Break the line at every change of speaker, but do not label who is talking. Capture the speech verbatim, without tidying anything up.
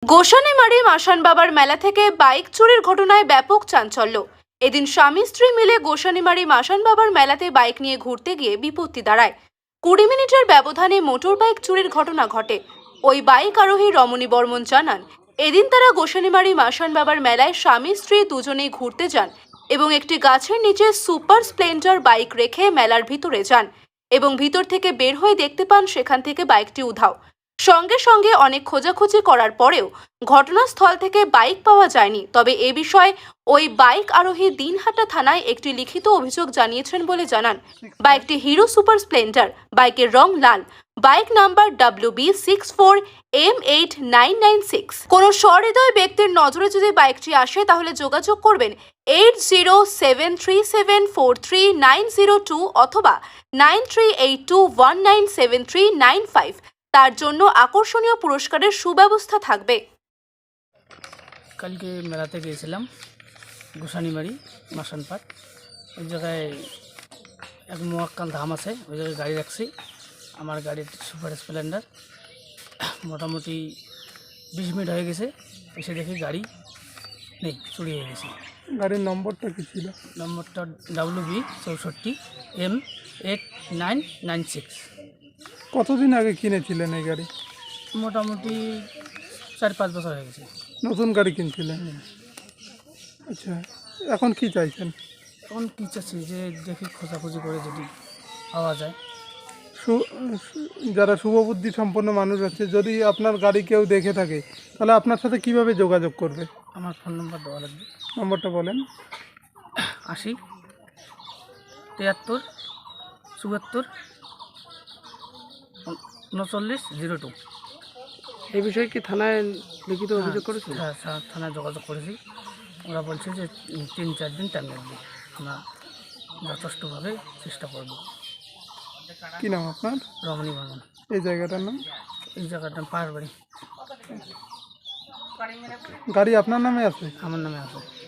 গোসানিমারি মাসান বাবার মেলা থেকে বাইক চুরির ঘটনায় ব্যাপক চাঞ্চল্য। এদিন স্বামী স্ত্রী মিলে গোসানিমারি মাসান বাবার মেলাতে বাইক নিয়ে ঘুরতে গিয়ে বিপত্তি দাঁড়ায়। কুড়ি মিনিটের ব্যবধানে মোটর বাইক চুরির ঘটনা ঘটে। ওই বাইক আরোহী রমণী বর্মন জানান, এদিন তারা গোসানিমারি মাসান বাবার মেলায় স্বামী স্ত্রী দুজনেই ঘুরতে যান এবং একটি গাছের নিচে সুপার স্প্লেন্ডার বাইক রেখে মেলার ভিতরে যান এবং ভিতর থেকে বের হয়ে দেখতে পান সেখান থেকে বাইকটি উধাও। সঙ্গে সঙ্গে অনেক খোঁজাখুঁজি করার পরেও ঘটনাস্থল থেকে বাইক পাওয়া যায়নি। তবে এ বিষয়ে ওই বাইক আরোহী দিনহাটা থানায় একটি লিখিত অভিযোগ জানিয়েছেন বলে জানান। বাইকটি হিরো সুপার স্প্লেন্ডার, বাইকের রং লাল, bike number W B six four M eight nine nine six. কোনো সহৃদয় ব্যক্তির নজরে যদি বাইকটি আসে তাহলে যোগাযোগ করবেন eight zero seven three seven four three nine zero two অথবা nine three eight two one nine seven three nine five. তার জন্য আকর্ষণীয় পুরস্কারের সুব্যবস্থা থাকবে।
কালকে মেলাতে গিয়েছিলাম গোসানিমারি মাসান পার্ক। ওই জায়গায় এক মোয়াক্কাল ধাম আছে, ওই জায়গায় গাড়ি রাখছি। আমার গাড়ির সুপার স্প্লেন্ডার মোটামুটি বিশ মিনিট হয়ে গেছে, এসে দেখি গাড়ি নেই, চুরি হয়ে গেছে।
গাড়ির নম্বরটা কি ছিল?
নম্বরটা ডাব্লিউ বি চৌষট্টি M eight nine nine six.
কতদিন আগে কিনেছিলেন এই গাড়ি?
মোটামুটি চার পাঁচ বছর হয়ে গেছে।
নতুন গাড়ি কিনছিলেন? আচ্ছা, এখন কি চাইছেন?
এখন কী চাচ্ছি যে দেখি খোঁজাখুঁজি করে যদি পাওয়া যায়।
সু- সু- যারা শুভবুদ্ধি সম্পন্ন মানুষ আছে, যদি আপনার গাড়ি কেউ দেখে থাকে তাহলে আপনার সাথে কিভাবে যোগাযোগ করবে?
আমার ফোন নম্বর দেওয়া লাগবে।
নম্বরটা বলেন।
আশি তিয়াত্তর চুয়াত্তর উনচল্লিশ জিরো টু।
এই বিষয়ে কি থানায় লিখিত অভিযোগ করেছেন?
হ্যাঁ, থা- থানায় যোগাযোগ করেছি। ওরা বলছে যে তিন চার দিন টাইম লাগবে, আমরা যথেষ্টভাবে চেষ্টা করব।
কি নাম আপনার?
রমণী বর্মন।
এই জায়গাটার নাম?
এই জায়গাটা পাহাড় বাড়ি,
গাড়ি আপনার নামে আছে?
আমার নামে আছে।